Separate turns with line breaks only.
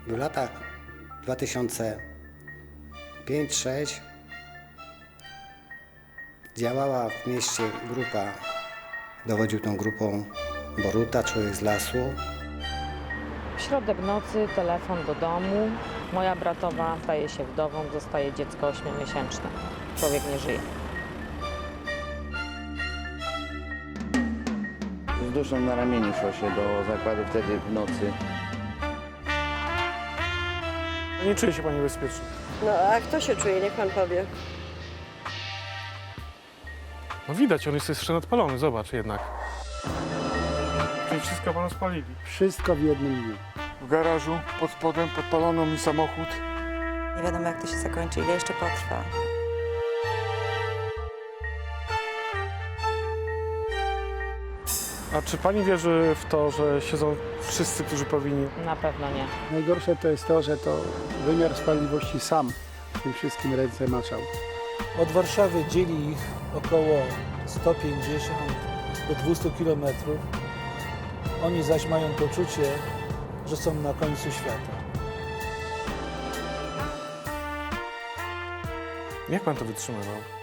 W latach 2005-2006 działała w mieście grupa, dowodził tą grupą Boruta, człowiek z lasu.
W środek nocy telefon do domu. Moja bratowa staje się wdową, dostaje dziecko 8-miesięczne. Człowiek nie żyje.
Z duszą na ramieniu szło się do zakładu wtedy w nocy.
Nie czuje się pani bezpiecznie.
No a kto się czuje? Niech pan powie.
No widać, on jest jeszcze nadpalony, zobacz jednak. Czyli wszystko panu spalili.
Wszystko w jednym dniu.
W garażu pod spodem podpalono mi samochód.
Nie wiadomo, jak to się zakończy, ile jeszcze potrwa.
A czy pani wierzy w to, że siedzą wszyscy, którzy powinni?
Na pewno nie.
Najgorsze to jest to, że to wymiar sprawiedliwości sam w tym wszystkim ręce maczał.
Od Warszawy dzieli ich około 150 do 200 kilometrów. Oni zaś mają poczucie, że są na końcu świata.
Jak pan to wytrzymywał?